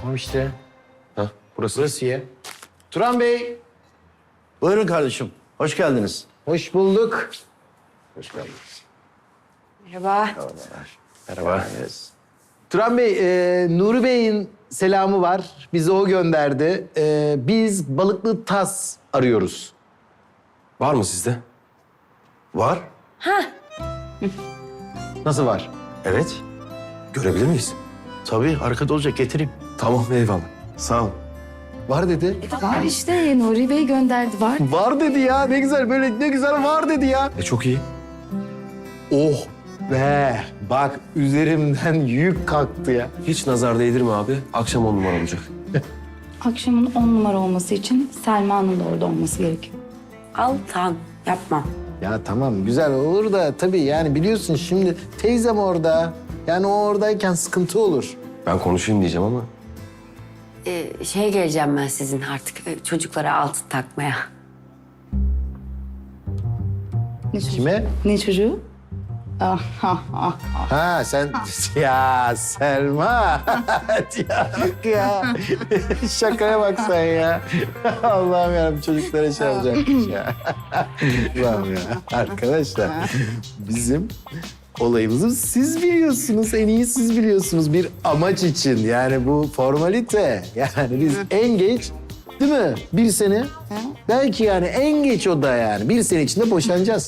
Tamam işte. Ha, burası. Burası ya. Turan Bey, Buyurun kardeşim. Hoş geldiniz. hoş bulduk. Hoş geldiniz. Merhaba. Merhaba. Turan Bey, Nuri Bey'in selamı var. Bizi o gönderdi. Biz balıklı tas arıyoruz. Var mı sizde? Var. Nasıl var? Evet. Görebilir miyiz? Tabii arkada olacak, getireyim. Tamam, eyvallah. Sağ ol. Var dedi. Var işte Nuri Bey gönderdi var. Var dedi ya. Ne güzel, böyle ne güzel var dedi ya. Çok iyi. Oh be. Bak üzerimden yük kalktı ya. Hiç nazar değdirme abi. Akşam 10 numara olacak. Akşamın 10 numara olması için Selma'nın da orada olması gerekiyor. Altan yapma. Ya tamam güzel olur da tabii yani biliyorsun şimdi teyzem orada. Yani o oradayken sıkıntı olur. Ben konuşayım diyeceğim ama. Geleceğim ben sizin artık çocuklara altın takmaya. Ne çocuğu? Kime? Ne çocuğu? Ah, ah, ah. Ha sen ya Selma. ya. Şakaya bak sen ya. Allah'ım yarabbim çocuklara şey yapacakmış ya. Allah'ım ya. Arkadaşlar bizim olayımızı siz biliyorsunuz. En iyi siz biliyorsunuz bir amaç için. Yani bu formalite. Yani biz en geç değil mi? Bir sene. Belki yani en geç o da yani. Bir sene içinde boşanacağız.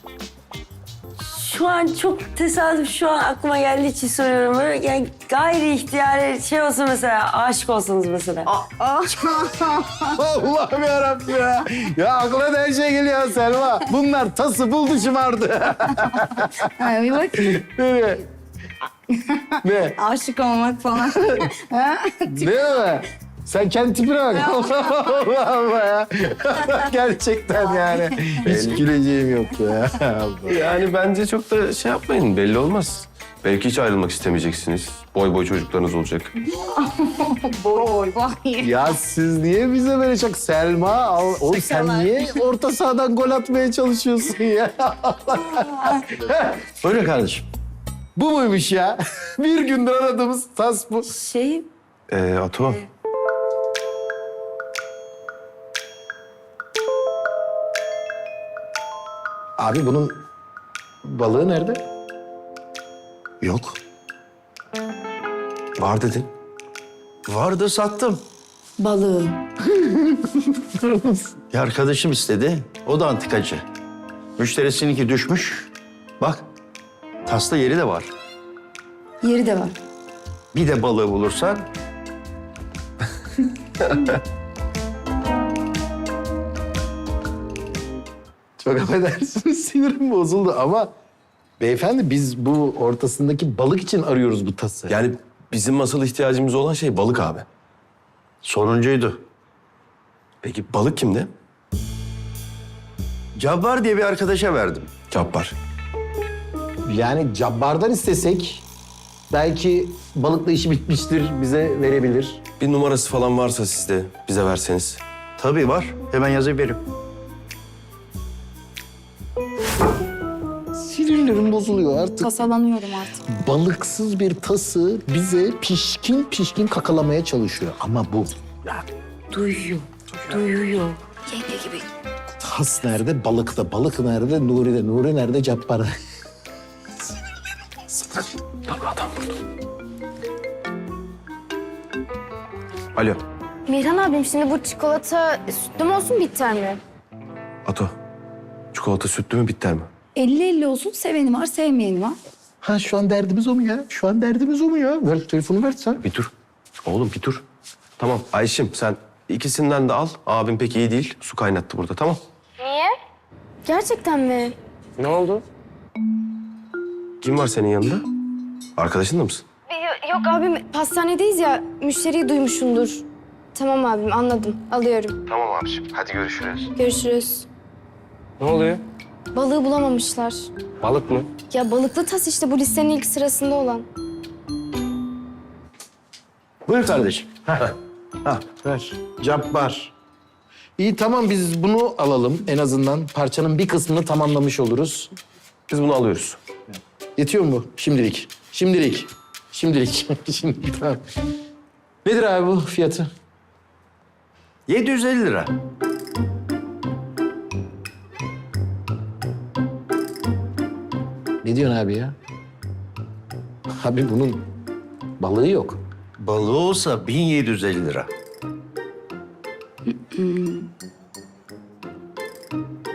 Şu an çok tesadüf şu an aklıma geldiği için soruyorum. Böyle yani gayri ihtiyari şey olsun mesela, aşık olsanız mesela. Allah'ım yarabbim ya. Ya aklına da her şey geliyor Selma. Bunlar tası buldu şımardı. Ay, bir bak. ne? Ne? Aşık olmak falan. Ne mi? Sen kendi tipine bak. Allah Allah ya. Gerçekten yani. Hiç güleceğim yoktu ya. Allah. Yani bence çok da şey yapmayın. Belli olmaz. Belki hiç ayrılmak istemeyeceksiniz. Boy boy çocuklarınız olacak. Boy boy. Ya siz niye bize böyle çok Selma? Oğlum sen niye orta sahadan gol atmaya çalışıyorsun ya? Buyurun kardeşim. Bu muymuş ya? Bir gündür aradığımız tas bu. Şey, Ato. Abi bunun balığı nerede? Yok. Var dedin. Vardı, sattım. Balığı. Bir arkadaşım istedi. O da antikacı. Müşterisininki düşmüş. Bak, tasla yeri de var. Yeri de var. Bir de balığı bulursan Çok affedersiniz sinirim bozuldu ama beyefendi biz bu ortasındaki balık için arıyoruz bu tası. Yani bizim asıl ihtiyacımız olan şey balık abi. sonuncuydu. Peki balık kimde? Cabbar diye bir arkadaşa verdim. Cabbar. Yani Cabbar'dan istesek belki balıkla işi bitmiştir bize verebilir. Bir numarası falan varsa sizde bize verseniz. Tabii var. Hemen yazıp veririm. Sinirlerim bozuluyor artık. Tasalanıyorum artık. Balıksız bir tası bize pişkin pişkin kakalamaya çalışıyor. Ama bu duyuyor. Duyuyor. Yenge gibi. tas nerede, balıkta. Balık nerede, Nuri'de. Nuri nerede, Cabbar'da. Adam burada. Alo. Mirhan abim şimdi bu çikolata sütlü mü olsun bitter mi? Ato. Çikolata sütlü mü bitter mi? 50-50 olsun, seveni var, sevmeyeni var. Ha şu an derdimiz o mu ya? Şu an derdimiz o mu ya? Ver telefonu ver sen. Bir dur. Oğlum bir dur. Tamam Ayşim sen ikisinden de al. Abim pek iyi değil. Su kaynattı burada tamam. Niye? Gerçekten mi? Ne oldu? Kim var senin yanında? Arkadaşın da mısın? Yok abim pastanedeyiz ya müşteriyi duymuşsundur. Tamam abim anladım alıyorum. Tamam abiciğim. Hadi görüşürüz. Görüşürüz. Ne oluyor? Balığı bulamamışlar. Balık mı? Ya balıklı tas işte bu listenin ilk sırasında olan. Buyur kardeşim. Ver. Cabbar. İyi tamam biz bunu alalım en azından. Parçanın bir kısmını tamamlamış oluruz. Biz bunu alıyoruz. Yetiyor mu bu? Şimdilik. Şimdilik. Şimdilik. Şimdi tamam. Nedir abi bu fiyatı? 750 lira. Ne diyorsun abi ya? Abi bunun balığı yok. Balığı olsa 1750 lira.